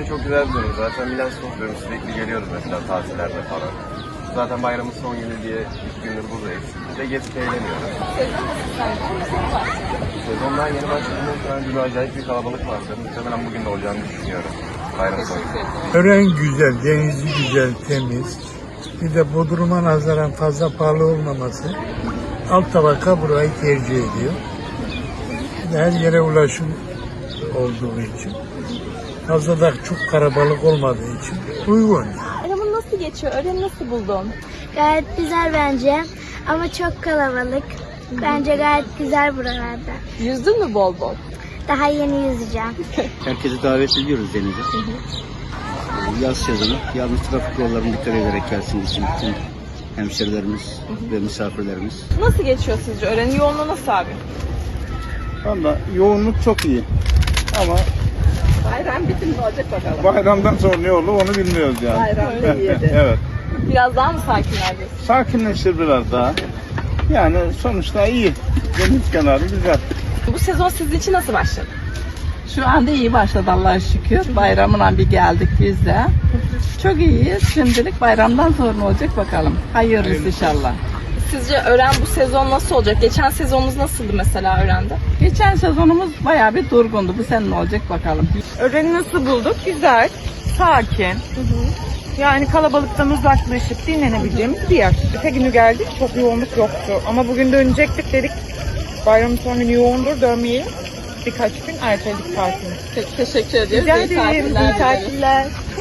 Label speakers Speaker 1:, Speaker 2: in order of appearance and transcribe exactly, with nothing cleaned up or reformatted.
Speaker 1: çok güzel bir durum. Zaten Milas topluyorum. Sürekli geliyoruz mesela tatillerde falan. Zaten bayramın son günü diye ilk gündür buradayız. Ve gezip eğleniyoruz. Sezondan yeni başladığında şu an gibi acayip bir kalabalık vardı. Muhtemelen bugün de olacağını düşünüyorum. Bayram sonu.
Speaker 2: Ören güzel, denizi güzel, temiz. Bir de Bodrum'a nazaran fazla pahalı olmaması. Alt tabaka burayı tercih ediyor. Bir de her yere ulaşım olduğu için. Fazla da çok kalabalık olmadığı için uygun.
Speaker 3: Bayramın nasıl geçiyor? Öğreni nasıl buldun?
Speaker 4: Gayet güzel bence ama çok kalabalık. Bence gayet güzel buralarda.
Speaker 3: Yüzdün mü bol bol?
Speaker 4: Daha yeni yüzeceğim.
Speaker 5: Herkesi davet ediyoruz denize. Yaz sezonu, yalnız trafik yollarına dikkat ederek gelsin için bütün hemşerilerimiz ve misafirlerimiz.
Speaker 3: Nasıl geçiyor sizce? Öğreni yoğunluğu nasıl abi?
Speaker 6: Valla yoğunluk çok iyi. Ama
Speaker 3: Bayram bitim ne olacak bakalım.
Speaker 6: bayramdan sonra ne olur onu bilmiyoruz yani.
Speaker 3: Bayramda iyiydi.
Speaker 6: Evet.
Speaker 3: Biraz daha mı sakinler diyorsun?
Speaker 6: Sakinleştir biraz daha. Yani sonuçta iyi. Deniz kenarı güzel.
Speaker 3: Bu sezon sizin için nasıl başladı?
Speaker 7: Şu anda iyi başladı Allah'a şükür. Bayramına bir geldik biz de. Çok iyiyiz. Şimdilik bayramdan sonra ne olacak bakalım. Hayırlısı inşallah.
Speaker 3: Sizce öğren bu sezon nasıl olacak? Geçen sezonumuz nasıldı mesela öğrende?
Speaker 7: Geçen sezonumuz bayağı bir durgundu. Bu sene ne olacak bakalım.
Speaker 8: Öğreni nasıl bulduk? Güzel, sakin. Yani kalabalıktan uzaklaşıp dinlenebileceğimiz bir yer. Öte günü geldik, çok yoğunluk yoktu. Ama bugün dönecektik dedik. Bayramın son günü yoğundur, dönmeyelim. Birkaç gün erteledik tatilini.
Speaker 3: Peki, teşekkür ediyoruz.
Speaker 8: Rica
Speaker 3: İyi
Speaker 8: ederim,
Speaker 3: tatiller
Speaker 8: iyi
Speaker 3: dileriz.
Speaker 8: tatiller.